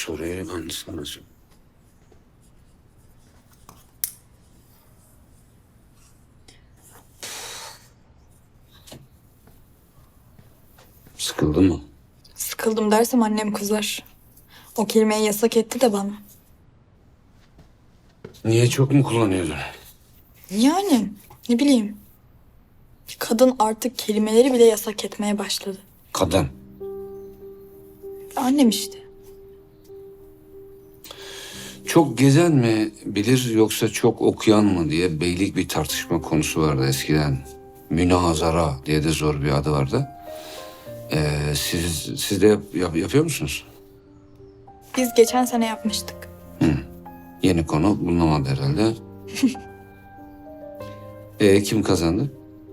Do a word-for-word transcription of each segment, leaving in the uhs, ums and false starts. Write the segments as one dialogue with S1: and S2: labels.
S1: soruyu ben sana sor- Sıkıldın mı?
S2: Sıkıldım dersem annem kızar. O kelimeyi yasak etti de bana.
S1: Niye, çok mu kullanıyordun?
S2: Yani ne bileyim. Kadın artık kelimeleri bile yasak etmeye başladı.
S1: Kadın.
S2: Annem işte.
S1: Çok gezen mi bilir yoksa çok okuyan mı diye beylik bir tartışma konusu vardı eskiden. Münazara diye de zor bir adı vardı. Ee, siz, siz de yap, yap- yapıyor musunuz?
S2: Biz geçen sene yapmıştık.
S1: Yeni konu bulunamadı herhalde. Ee, kim kazandı?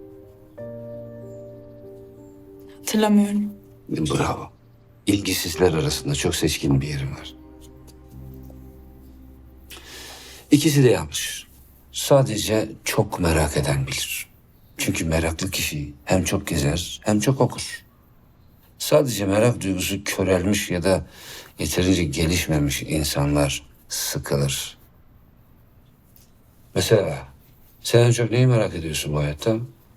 S2: Hatırlamıyorum.
S1: Bravo. İlgisizler arasında çok seçkin bir yerim var. İkisi de yanlış. Sadece çok merak eden bilir. Çünkü meraklı kişi hem çok gezer hem çok okur. Sadece merak duygusu körelmiş ya da yeterince gelişmemiş insanlar sıkılır. Mesela sen en çok neyi merak ediyorsun bu hayatta?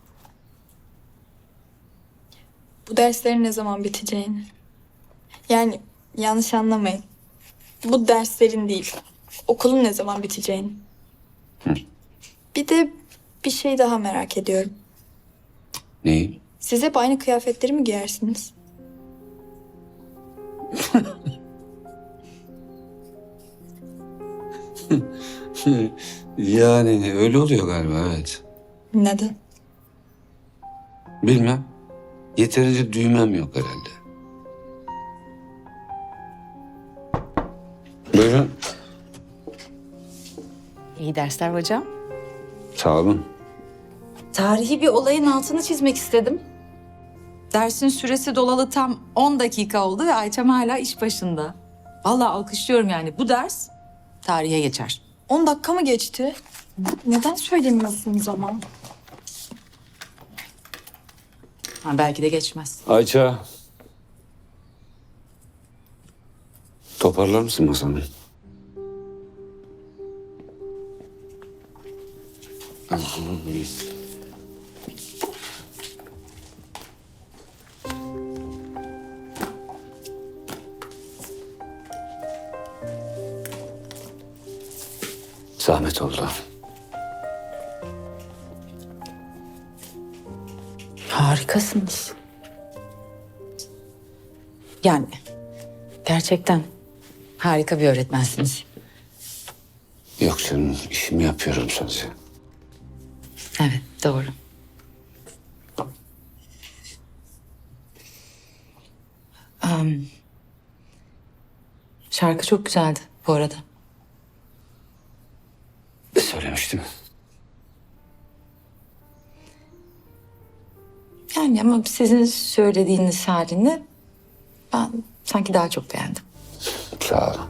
S2: Bu derslerin ne zaman biteceğini. Yani yanlış anlamayın. Bu derslerin değil. Okulun ne zaman biteceğini. Bir de bir şey daha merak ediyorum.
S1: Neyi?
S2: Siz hep aynı kıyafetleri mi giyersiniz?
S1: Yani öyle oluyor galiba, evet.
S2: Neden?
S1: Bilmem. Yeterince düğmem yok herhalde. Buyurun.
S3: İyi dersler hocam.
S1: Sağ olun.
S3: Tarihi bir olayın altını çizmek istedim. Dersin süresi dolalı tam on dakika oldu ve Ayça'm hala iş başında. Vallahi alkışlıyorum yani. Bu ders tarihe geçer.
S2: On dakika mı geçti? Neden söylemiyorsunuz ama?
S3: Ha, belki de geçmez.
S1: Ayça. Toparlar mısın masanı? Zahmet oldu.
S3: Harikasınız. Yani gerçekten harika bir öğretmensiniz.
S1: Yok canım, işimi yapıyorum sadece.
S3: Evet, doğru. Am, şarkı çok güzeldi bu arada.
S1: Söylemiştim.
S3: Yani ama sizin söylediğiniz halini ben sanki daha çok beğendim.
S1: Sağ olun.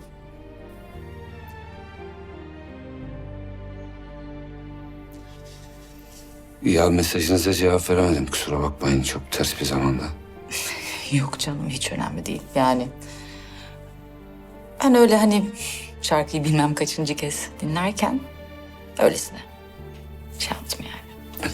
S1: Ya mesajınıza cevap veremedim, kusura bakmayın, çok ters bir zamanda.
S3: Yok canım, hiç önemli değil. Yani ben öyle hani şarkıyı bilmem kaçıncı kez dinlerken öylesine şey yaptım yani.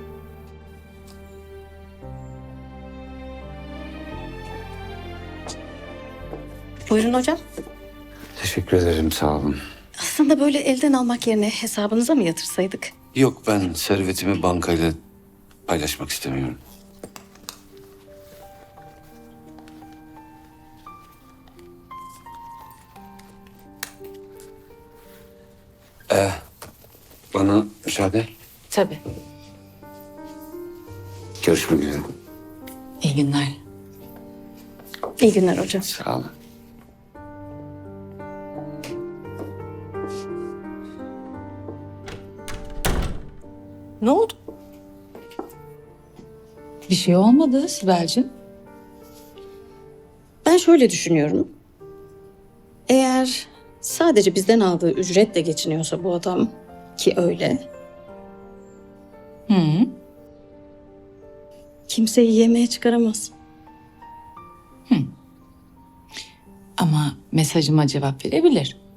S4: Buyurun hocam.
S1: Teşekkür ederim, sağ olun.
S4: Aslında böyle elden almak yerine hesabınıza mı yatırsaydık?
S1: Yok, ben servetimi bankayla paylaşmak istemiyorum. Ee, bana müsaade.
S3: Tabii.
S1: Görüşmek üzere.
S3: İyi günler.
S4: İyi günler hocam.
S1: Sağ olun.
S3: Ne oldu? Bir şey olmadı Sibel'cim.
S4: Ben şöyle düşünüyorum. Eğer sadece bizden aldığı ücretle geçiniyorsa bu adam, ki öyle,
S3: Hı.
S4: kimseyi yemeğe çıkaramaz.
S3: Ama mesajıma cevap verebilir.